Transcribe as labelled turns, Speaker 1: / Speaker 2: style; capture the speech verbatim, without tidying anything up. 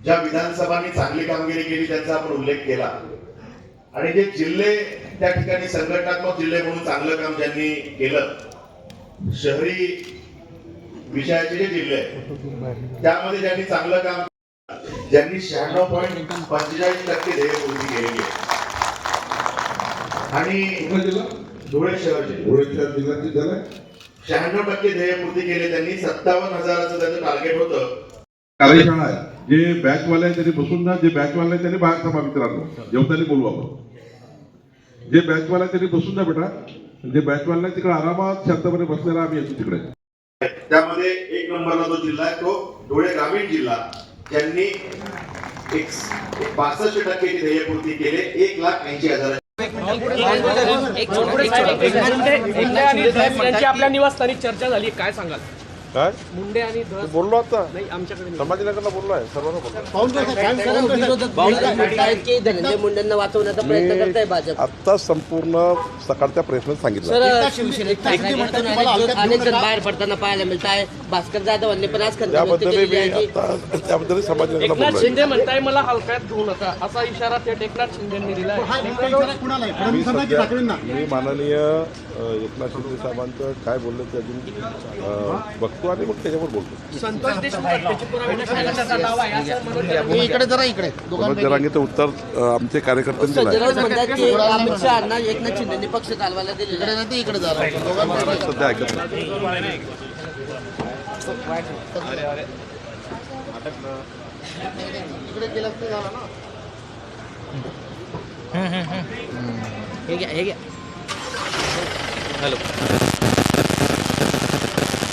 Speaker 1: ज्या विधानसभांनी चांगली कामगिरी केली त्यांचा आपण उल्लेख केला आणि जे जिल्हे त्या ठिकाणी संघटनात्मक जिल्हे म्हणून चांगलं काम ज्यांनी केलं, शहरी विषयाचे जे जिल्हे आहेत त्यामध्ये ज्यांनी चांगलं काम, ज्यांनी शहाण्णव पॉईंट पंचेचाळीस टक्के ध्येयपूर्ती केलेली आहे आणि धुळे शहर जिल्हा शहाण्णव टक्के ध्येयपूर्ती केले त्यांनी. सत्तावन्न हजाराचं त्याचं टार्गेट होतं.
Speaker 2: कार्यशाळा आहे, जे बॅचवाले आहे त्यांनी बसून ना, जे बॅचवाले आहे त्यांनी बाहेर सभा मित्रांनो जेवताना बोलू आपण. जे बॅचवाले आहे त्यांनी बसून जा बेटा, जे बॅचवाले आहे तिकडे आरामात शांतपणे बसलेला आम्ही येतो तिकडे.
Speaker 1: त्यामध्ये एक नंबरला जो जिल्हा आहे तो धुळे ग्रामीण जिल्हा, ज्यांनी एक पासष्ट टक्के ध्येयपूर्ती केले, एक लाख ऐंशी हजार.
Speaker 3: आपल्या निवासस्थानी चर्चा झाली, काय सांगाल?
Speaker 2: काय
Speaker 3: मुंडे आणि
Speaker 2: बोललो आता
Speaker 3: नाही आमच्याकडे
Speaker 2: संभाजीनगरला बोललो आहे, सर्वांना
Speaker 4: की धनंजय मुंडेंना वाचवण्याचा प्रयत्न करताय भाजप.
Speaker 2: आता संपूर्ण सकाळच्या प्रेसमध्ये सांगितलं.
Speaker 4: अनेक जण बाहेर पडताना पाहायला मिळत आहे. भास्कर जाधवांनी पण आज
Speaker 2: त्याबद्दल मी आता त्याबद्दल संभाजीनगरला
Speaker 3: एकनाथ
Speaker 2: बोललो
Speaker 3: शिंदे म्हणताय मला हलक्यात घेऊ नका, असा इशारा थेट एकनाथ शिंदेंनी दिला.
Speaker 2: मी सध्या मी माननीय एकनाथ शिंदे साहेबांचं काय बोललं ते अजून बघतो आणि मग त्याच्यावर बोलतो.
Speaker 3: संतोष देशमुख हत्येची पुरावे नसल्याचा दावा आहे असं म्हणून
Speaker 4: इकडे जरा इकडे
Speaker 2: मनोज जरांगेचं उत्तर अ, आमचे कार्यकर्त्यांनी दिलं आहे.
Speaker 4: म्हणतात की अमित शहाना एकनाथ शिंदेनी पक्ष चालवायला दिलेला आहे. इकडे जरा
Speaker 2: सध्या ऐकत नाही.
Speaker 4: इकडे गेलं असतं झालं ना. हे घ्या हे घ्या. हॅलो.